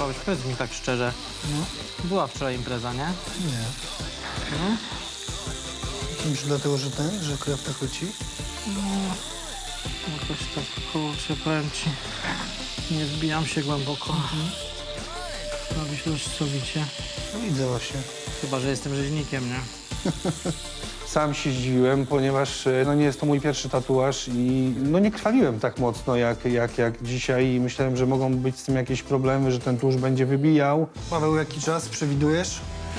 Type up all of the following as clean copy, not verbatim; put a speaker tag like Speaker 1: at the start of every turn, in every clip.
Speaker 1: Paweł, powiedz mi tak szczerze.
Speaker 2: No.
Speaker 1: Była wczoraj impreza, nie?
Speaker 2: Nie.
Speaker 1: Nie?
Speaker 2: Myślisz dlatego, że krew tak leci?
Speaker 1: Jakoś tak, kurczę, powiem ci, nie wbijam się głęboko. Robisz już sowicie.
Speaker 2: No widzę właśnie.
Speaker 1: Chyba, że jestem rzeźnikiem, nie?
Speaker 3: Sam się zdziwiłem, ponieważ no, nie jest to mój pierwszy tatuaż i no, nie krwawiłem tak mocno jak dzisiaj i myślałem, że mogą być z tym jakieś problemy, że ten tusz będzie wybijał.
Speaker 2: Paweł, jaki czas przewidujesz?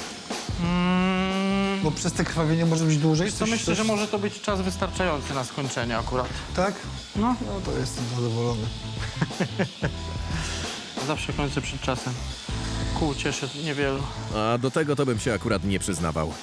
Speaker 2: Bo przez te krwawienie może być dłużej?
Speaker 1: Wiesz co, myślę, że może to być czas wystarczający na skończenie akurat.
Speaker 2: Tak?
Speaker 1: No,
Speaker 2: No to jestem zadowolony.
Speaker 1: zawsze kończę przed czasem. Kół cieszy niewielu.
Speaker 4: A do tego to bym się akurat nie przyznawał.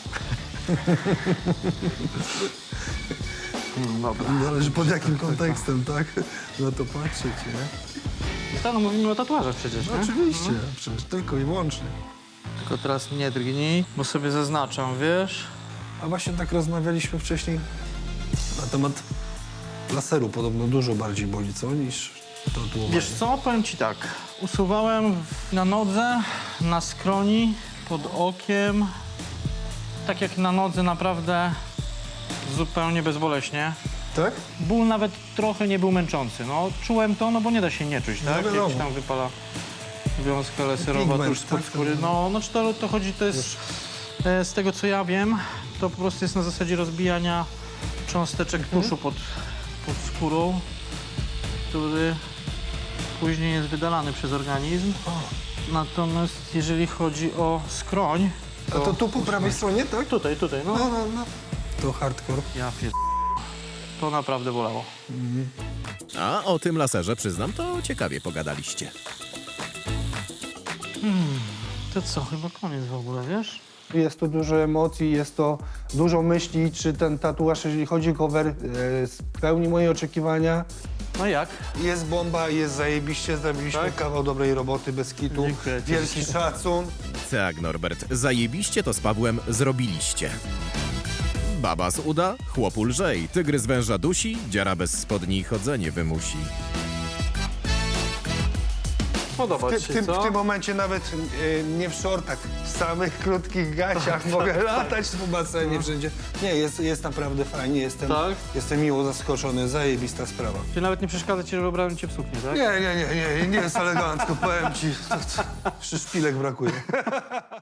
Speaker 1: Dobra.
Speaker 2: Zależy pod jakim kontekstem, tak? Na to patrzeć, nie?
Speaker 1: No mówimy o tatuażach przecież,
Speaker 2: No,
Speaker 1: nie?
Speaker 2: oczywiście, przecież tylko i wyłącznie.
Speaker 1: Tylko teraz nie drgnij, bo sobie zaznaczam, wiesz?
Speaker 2: A właśnie tak rozmawialiśmy wcześniej na temat laseru. Podobno dużo bardziej boli, co, niż tatuowanie.
Speaker 1: Wiesz co, powiem ci tak. Usuwałem na nodze, na skroni, pod okiem. Tak jak na nodze naprawdę zupełnie bezboleśnie.
Speaker 2: Tak?
Speaker 1: Ból nawet trochę nie był męczący. No, czułem to, no bo nie da się nie czuć,
Speaker 2: No
Speaker 1: tak?
Speaker 2: wiadomo.
Speaker 1: Jak się tam wypala wiązka laserowa
Speaker 2: Pigment,
Speaker 1: tuż spod
Speaker 2: tak?
Speaker 1: skóry. No, czy to chodzi, to jest, z tego co ja wiem, to po prostu jest na zasadzie rozbijania cząsteczek tuszu pod skórą, który później jest wydalany przez organizm. Natomiast jeżeli chodzi o skroń,
Speaker 2: A to tu po prawej stronie, tak?
Speaker 1: tutaj, no.
Speaker 2: No. To hardcore.
Speaker 1: Ja pier... To naprawdę bolało.
Speaker 4: A o tym laserze, przyznam, to ciekawie pogadaliście.
Speaker 1: To co, chyba koniec w ogóle, wiesz?
Speaker 3: Jest to dużo emocji, jest to dużo myśli, czy ten tatuaż, jeżeli chodzi o cover, spełni moje oczekiwania.
Speaker 1: No jak?
Speaker 2: Jest bomba, jest zajebiście, zrobiliśmy
Speaker 1: Tak?
Speaker 2: kawał dobrej roboty, bez kitu.
Speaker 1: Dziękuję ci.
Speaker 2: Wielki szacun.
Speaker 4: Tak, Norbert, zajebiście to z Pawłem zrobiliście. Baba z uda, chłopu lżej, tygrys węża dusi, dziara bez spodni chodzenie wymusi.
Speaker 1: Podoba ci się,
Speaker 2: W
Speaker 1: co?
Speaker 2: tym momencie nawet nie w shortach, w samych krótkich gaciach mogę latać po basenie wszędzie. Nie, jest naprawdę fajnie,
Speaker 1: Tak?
Speaker 2: jestem miło zaskoczony, zajebista sprawa.
Speaker 1: Czy nawet nie przeszkadza ci, że wybrałem cię w suknię, tak?
Speaker 2: Nie jest elegancko, powiem ci, jeszcze szpilek brakuje.